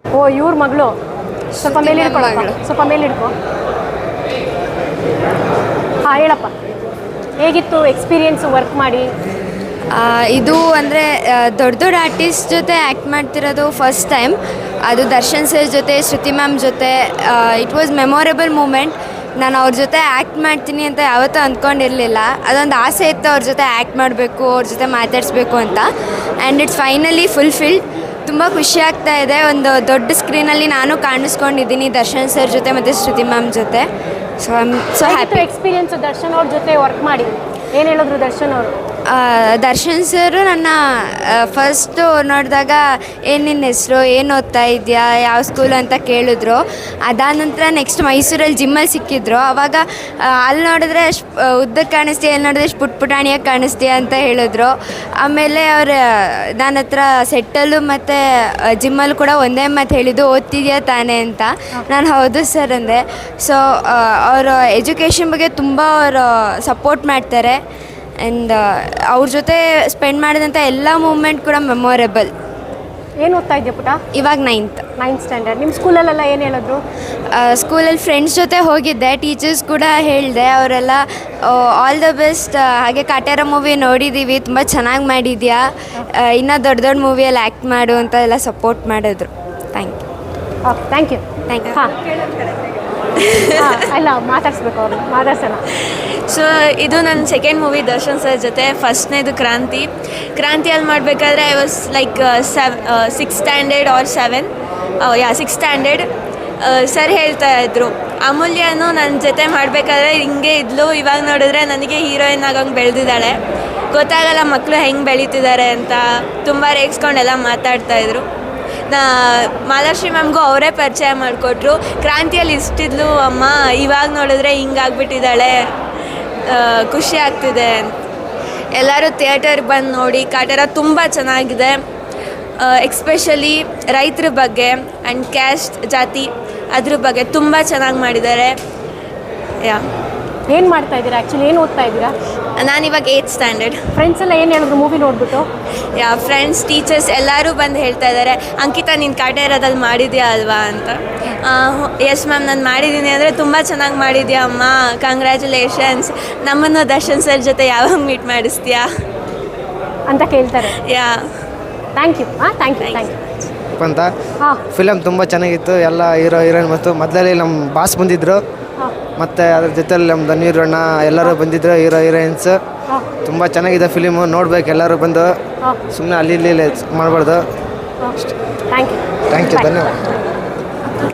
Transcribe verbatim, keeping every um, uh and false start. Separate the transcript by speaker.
Speaker 1: ಓ ಇವ್ರ ಮಗಳು. ಸ್ವಲ್ಪ ಮೇಲೆ ಹಿಡ್ಕೊಳಪ್ಪ, ಸ್ವಲ್ಪ ಮೇಲೆ ಹಿಡ್ಕೊ. ಹಾಂ ಹೇಳಪ್ಪ, ಹೇಗಿತ್ತು ಎಕ್ಸ್ಪೀರಿಯನ್ಸು ವರ್ಕ್ ಮಾಡಿ?
Speaker 2: ಇದು ಅಂದರೆ ದೊಡ್ಡ ದೊಡ್ಡ ಆರ್ಟಿಸ್ಟ್ ಜೊತೆ ಆ್ಯಕ್ಟ್ ಮಾಡ್ತಿರೋದು ಫಸ್ಟ್ ಟೈಮ್. ಅದು ದರ್ಶನ್ ಸರ್ ಜೊತೆ, ಶ್ರುತಿ ಮ್ಯಾಮ್ ಜೊತೆ. It was memorable moment. ನಾನು ಅವ್ರ ಜೊತೆ ಆ್ಯಕ್ಟ್ ಮಾಡ್ತೀನಿ ಅಂತ ಯಾವತ್ತೂ ಅಂದ್ಕೊಂಡಿರಲಿಲ್ಲ. ಅದೊಂದು ಆಸೆ ಇತ್ತು ಅವ್ರ ಜೊತೆ ಆ್ಯಕ್ಟ್ ಮಾಡಬೇಕು, ಅವ್ರ ಜೊತೆ ಮಾತಾಡಿಸ್ಬೇಕು ಅಂತ. And it's finally fulfilled. ತುಂಬ ಖುಷಿ ಆಗ್ತಾ ಇದೆ. ಒಂದು ದೊಡ್ಡ ಸ್ಕ್ರೀನಲ್ಲಿ ನಾನು ಕಾಣಿಸ್ಕೊಂಡಿದ್ದೀನಿ ದರ್ಶನ್ ಸರ್ ಜೊತೆ ಮತ್ತು ಶ್ರುತಿ ಮ್ಯಾಮ್ ಜೊತೆ. So I am so happy.
Speaker 1: Experience Darshan ಅವ್ರ ಜೊತೆ ವರ್ಕ್ ಮಾಡಿ ಏನು ಹೇಳಿದ್ರು ದರ್ಶನ್ ಅವರು?
Speaker 2: ದರ್ಶನ್ ಸರು ನನ್ನ ಫಸ್ಟು ನೋಡಿದಾಗ ಏನು ನಿನ್ನ ಹೆಸರು, ಏನು ಓದ್ತಾ ಇದೆಯಾ, ಯಾವ ಸ್ಕೂಲ್ ಅಂತ ಕೇಳಿದ್ರು. ಅದಾದ ನಂತರ ನೆಕ್ಸ್ಟ್ ಮೈಸೂರಲ್ಲಿ ಜಿಮ್ಮಲ್ಲಿ ಸಿಕ್ಕಿದ್ರು. ಆವಾಗ ಅಲ್ಲಿ ನೋಡಿದ್ರೆ ಅಷ್ಟು ಉದ್ದಕ್ಕೆ ಕಾಣಿಸ್ತೀಯ, ಅಲ್ಲಿ ನೋಡಿದ್ರೆ ಅಷ್ಟು ಪುಟ್ ಪುಟಾಣಿಯಾಗಿ ಕಾಣಿಸ್ತೀಯ ಅಂತ ಹೇಳಿದ್ರು. ಆಮೇಲೆ ಅವ್ರು ನನ್ನ ಹತ್ರ ಸೆಟ್ಟಲ್ಲೂ ಮತ್ತು ಜಿಮ್ಮಲ್ಲೂ ಕೂಡ ಒಂದೇ ಮಾತು ಹೇಳಿದ್ದು, ಓದ್ತಿದ್ಯಾ ತಾನೇ ಅಂತ. ನಾನು ಹೌದು ಸರ್ ಅಂದೆ. ಸೊ ಅವರು ಎಜುಕೇಷನ್ ಬಗ್ಗೆ ತುಂಬ ಅವರು ಸಪೋರ್ಟ್ ಮಾಡ್ತಾರೆ. ಆ್ಯಂಡ್ ಅವ್ರ ಜೊತೆ ಸ್ಪೆಂಡ್ ಮಾಡಿದಂಥ ಎಲ್ಲ ಮೂಮೆಂಟ್ ಕೂಡ ಮೆಮೊರೇಬಲ್.
Speaker 1: ಏನು ಓದ್ತಾ ಇದೆಯಾ ಪುಟ?
Speaker 2: ಇವಾಗ ನೈನ್ತ್
Speaker 1: ನೈನ್ತ್ ಸ್ಟ್ಯಾಂಡರ್ಡ್. ನಿಮ್ಮ ಸ್ಕೂಲಲ್ಲೆಲ್ಲ ಏನು ಹೇಳಿದ್ರು?
Speaker 2: ಸ್ಕೂಲಲ್ಲಿ ಫ್ರೆಂಡ್ಸ್ ಜೊತೆ ಹೋಗಿದ್ದೆ, ಟೀಚರ್ಸ್ ಕೂಡ ಹೇಳಿದೆ. ಅವರೆಲ್ಲ ಆಲ್ ದ ಬೆಸ್ಟ್, ಹಾಗೆ ಕಾಟೇರ ಮೂವಿ ನೋಡಿದ್ದೀವಿ, ತುಂಬ ಚೆನ್ನಾಗಿ ಮಾಡಿದ್ಯಾ, ಇನ್ನೂ ದೊಡ್ಡ ದೊಡ್ಡ ಮೂವಿಯಲ್ಲಿ ಆ್ಯಕ್ಟ್ ಮಾಡು ಅಂತ ಎಲ್ಲ ಸಪೋರ್ಟ್ ಮಾಡಿದ್ರು. Thank you.
Speaker 1: Okay, thank you.
Speaker 2: Thank you.
Speaker 1: ಹಾಂ ಅಲ್ಲ, ಮಾತಾಡಿಸ್ಬೇಕು ಅವ್ರನ್ನ, ಮಾತಾಡ್ಸೋಣ.
Speaker 3: ಸೊ ಇದು ನನ್ನ ಸೆಕೆಂಡ್ ಮೂವಿ ದರ್ಶನ್ ಸರ್ ಜೊತೆ. ಫಸ್ಟ್ನೇದು ಕ್ರಾಂತಿ. ಕ್ರಾಂತಿಯಲ್ಲಿ ಮಾಡಬೇಕಾದ್ರೆ I was like sev six standard or seven ಯಾ ಸಿಕ್ಸ್ ಸ್ಟ್ಯಾಂಡರ್ಡ್. ಸರ್ ಹೇಳ್ತಾ ಇದ್ರು, ಅಮೂಲ್ಯನು ನನ್ನ ಜೊತೆ ಮಾಡಬೇಕಾದ್ರೆ ಹಿಂಗೆ ಇದ್ಲು, ಇವಾಗ ನೋಡಿದ್ರೆ ನನಗೆ ಹೀರೋಯಿನ್ ಆಗೋಂಗೆ ಬೆಳೆದಿದ್ದಾಳೆ, ಗೊತ್ತಾಗಲ್ಲ ಮಕ್ಕಳು ಹೆಂಗೆ ಬೆಳೀತಿದ್ದಾರೆ ಅಂತ ತುಂಬ ರೇಗಿಸ್ಕೊಂಡೆಲ್ಲ ಮಾತಾಡ್ತಾಯಿದ್ರು. ನಾ ಮಾಲಾಶ್ರೀ ಮ್ಯಾಮ್ಗೂ ಅವರೇ ಪರಿಚಯ ಮಾಡಿಕೊಟ್ರು. ಕ್ರಾಂತಿಯಲ್ಲಿ ಇಷ್ಟಿದ್ಲು ಅಮ್ಮ, ಇವಾಗ ನೋಡಿದ್ರೆ ಹಿಂಗಾಗ್ಬಿಟ್ಟಿದ್ದಾಳೆ, ಖುಷಿ ಆಗ್ತಿದೆ. ಎಲ್ಲರೂ ಥಿಯೇಟರ್ಗೆ ಬಂದು ನೋಡಿ. ಕಾಟೇರ ತುಂಬ ಚೆನ್ನಾಗಿದೆ. ಎಕ್ಸ್ಪೆಷಲಿ ರೈತರ ಬಗ್ಗೆ ಆ್ಯಂಡ್ ಕ್ಯಾಸ್ಟ್ ಜಾತಿ ಅದ್ರ ಬಗ್ಗೆ ತುಂಬ ಚೆನ್ನಾಗಿ ಮಾಡಿದ್ದಾರೆ. ಯಾ
Speaker 1: ಏನು ಮಾಡ್ತಾ ಇದ್ದೀರಾ ಆ್ಯಕ್ಚುಲಿ? ಏನು ಓದ್ತಾ ಇದ್ದೀರಾ?
Speaker 3: ನಾನಿವಾಗ ಏಯ್ತ್ ಸ್ಟ್ಯಾಂಡರ್ಡ್.
Speaker 1: ಫ್ರೆಂಡ್ಸ್ ಎಲ್ಲ ಏನು ಹೇಳಿದ್ರು ಮೂವಿ ನೋಡಿಬಿಟ್ಟು?
Speaker 3: ಯಾ ಫ್ರೆಂಡ್ಸ್, ಟೀಚರ್ಸ್ ಎಲ್ಲರೂ ಬಂದು ಹೇಳ್ತಾ ಇದ್ದಾರೆ, ಅಂಕಿತಾ ನೀನು ಕಾಟೇರದಲ್ಲಿ ಮಾಡಿದ್ಯಾ ಅಲ್ವಾ ಅಂತ. ಎಸ್ ಮ್ಯಾಮ್, ನಾನು ಮಾಡಿದ್ದೀನಿ ಅಂದರೆ ತುಂಬ ಚೆನ್ನಾಗಿ ಮಾಡಿದ್ಯಾ ಅಮ್ಮ, ಕಂಗ್ರ್ಯಾಚುಲೇಷನ್ಸ್, ನಮ್ಮನ್ನು ದರ್ಶನ್ ಸರ್ ಜೊತೆ ಯಾವಾಗ ಮೀಟ್ ಮಾಡಿಸ್ತೀಯಾ
Speaker 1: ಅಂತ ಕೇಳ್ತಾರೆ.
Speaker 3: Yeah
Speaker 1: thank you. ಹಾಂ ಥ್ಯಾಂಕ್ ಯು ಥ್ಯಾಂಕ್ ಯು
Speaker 4: ಅಂತ.
Speaker 1: ಹಾಂ,
Speaker 4: ಫಿಲಮ್ ತುಂಬ ಚೆನ್ನಾಗಿತ್ತು. ಎಲ್ಲ ಹೀರೋ ಹೀರೋಯಿನ್ ಮತ್ತು ಮೊದಲಲ್ಲಿ ನಮ್ಮ ಬಾಸ್ ಬಂದಿದ್ದರು, ಮತ್ತು ಅದ್ರ ಜೊತೆಲಿ ನಮ್ಮ ಧನ್ವೀರ್ ಅಣ್ಣ ಎಲ್ಲರೂ ಬಂದಿದ್ದರು, ಹೀರೋ ಹೀರೋಯಿನ್ಸ್. ತುಂಬ ಚೆನ್ನಾಗಿದೆ ಫಿಲಿಮು, ನೋಡ್ಬೇಕು ಎಲ್ಲರೂ ಬಂದು. ಸುಮ್ಮನೆ ಅಲ್ಲಿ ಇಲ್ಲಿ ಮಾಡಬಾರ್ದು.
Speaker 1: ಥ್ಯಾಂಕ್ ಯು
Speaker 4: ಥ್ಯಾಂಕ್ ಯು ಧನ್ಯವಾದ.